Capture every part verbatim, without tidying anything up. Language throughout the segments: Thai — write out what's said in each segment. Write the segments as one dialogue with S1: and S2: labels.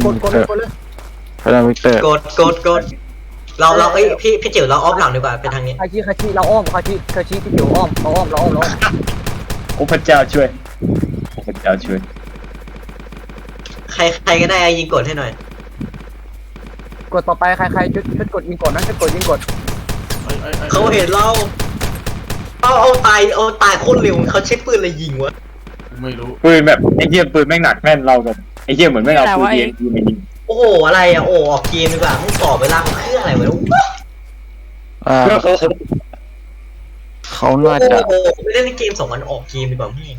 S1: กดกดเลยกดเลย
S2: พลังวิกเตอร์
S3: กดกดกดเราเราเอ้ยพี่พี่จิ๋วเราออฟหลังดีกว่าเป็นทางนี้
S1: คาชิคาชิเราอ้อมคาชิคาชิพี่จิ๋วอ้อมเราอ้อมเราอ้อมเราอ้อม
S4: โอ้พระเจ้าช่วยโอ้พระเจ้าช่วย
S3: ใครใครก็ได้ยิงกดให้หน่อย
S1: กดต่อไปใครใครชุดชุดกดยิงกดนะชุดกดยิงกด
S3: เขาเห็นเราเอาเอาตายเอาตายโคตรเร็วเขาใช้ปืนอะไรยิงวะ
S5: ไม่รู้
S4: ปืนแบบไอ้เหี้ยปืนแม่งหนักแม่นเราแบบไอ้เหี้ยเหมือนไม่เอาปืนเองยิงมายิง
S3: โอ้โหอะไรอ่ะโอ้ออกเกมดีกว่ามึงต่อเวลาของเครื่องอะไรวะ
S2: อ่าเขาน่าจะ
S3: โอ้โหไม่เล่นเกมสองวันออกเกมดีกว่าพี่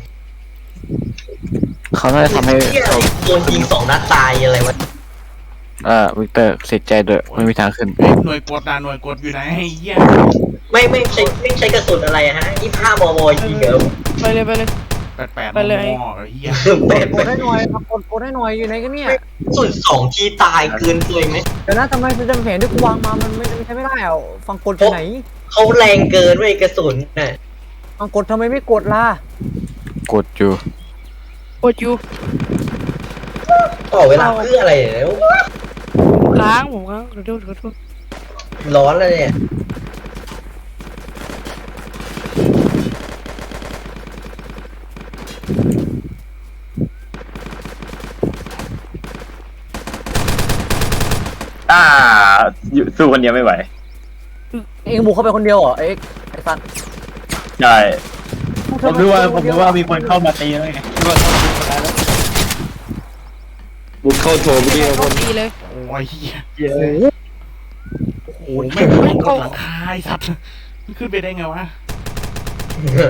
S2: เขาน่าจะทำให้
S3: เราโดนยิงสองนัดตายอะไรวะ
S2: อ่าวิกเตอร์เสียใจด้วยไม่มีทางขึ้น
S5: หน่วยกดนะหน่วยกดอยู่ไหนไอ้เหี้ย
S3: ไม่ไม่ใช้ไม่ใช้กระสุนอะไรฮะยี่ห้ามมยิงเหรอ
S6: ไปเลยไปเลย
S5: แปดแปด
S6: ไปเลย
S5: มอไอ้เหี้ย
S3: เป็ด
S1: กดให้หน่อยกดกดให้หน่อยอยู่ไหนกันเนี่ย
S3: สุดสองทีตายเกินเลยไหม
S1: เดี๋ยวนะทำไมจะจำแผนที่กูวางมามันไม่ใช้ไม่ได้อ่ะฟังกดไปไหน
S3: เขาแรงเกินเว้ยกระสุนน่ะ
S1: ฟังกดทำไมไม่กดล่ะ
S2: กดอยู่
S6: กดอยู่
S3: ต่อเวลาเพื่ออะไรแล้ว
S6: ค้างผมค้างขอโทษขอโทษ
S3: ร้อนแล้วเนี่ย
S4: อ่าอยู่สู้คนเดียวไม่ไหว
S1: เองบุกเข้าไปคนเดียวเหรอเอ็กไอ้สัตว์
S4: ใช่ผมรู้ว่าผมรู้ว่ามีคนเข้ามาตีแล้วไง
S2: บุกเข้าโถมเดียว
S6: โชคดีเลย
S5: โอ้ยเหี้ย
S1: โอ้โห
S5: โอ้แม่งไม่กดหลังคาไอ้สัตว์มันขึ้นไปได้ไงวะ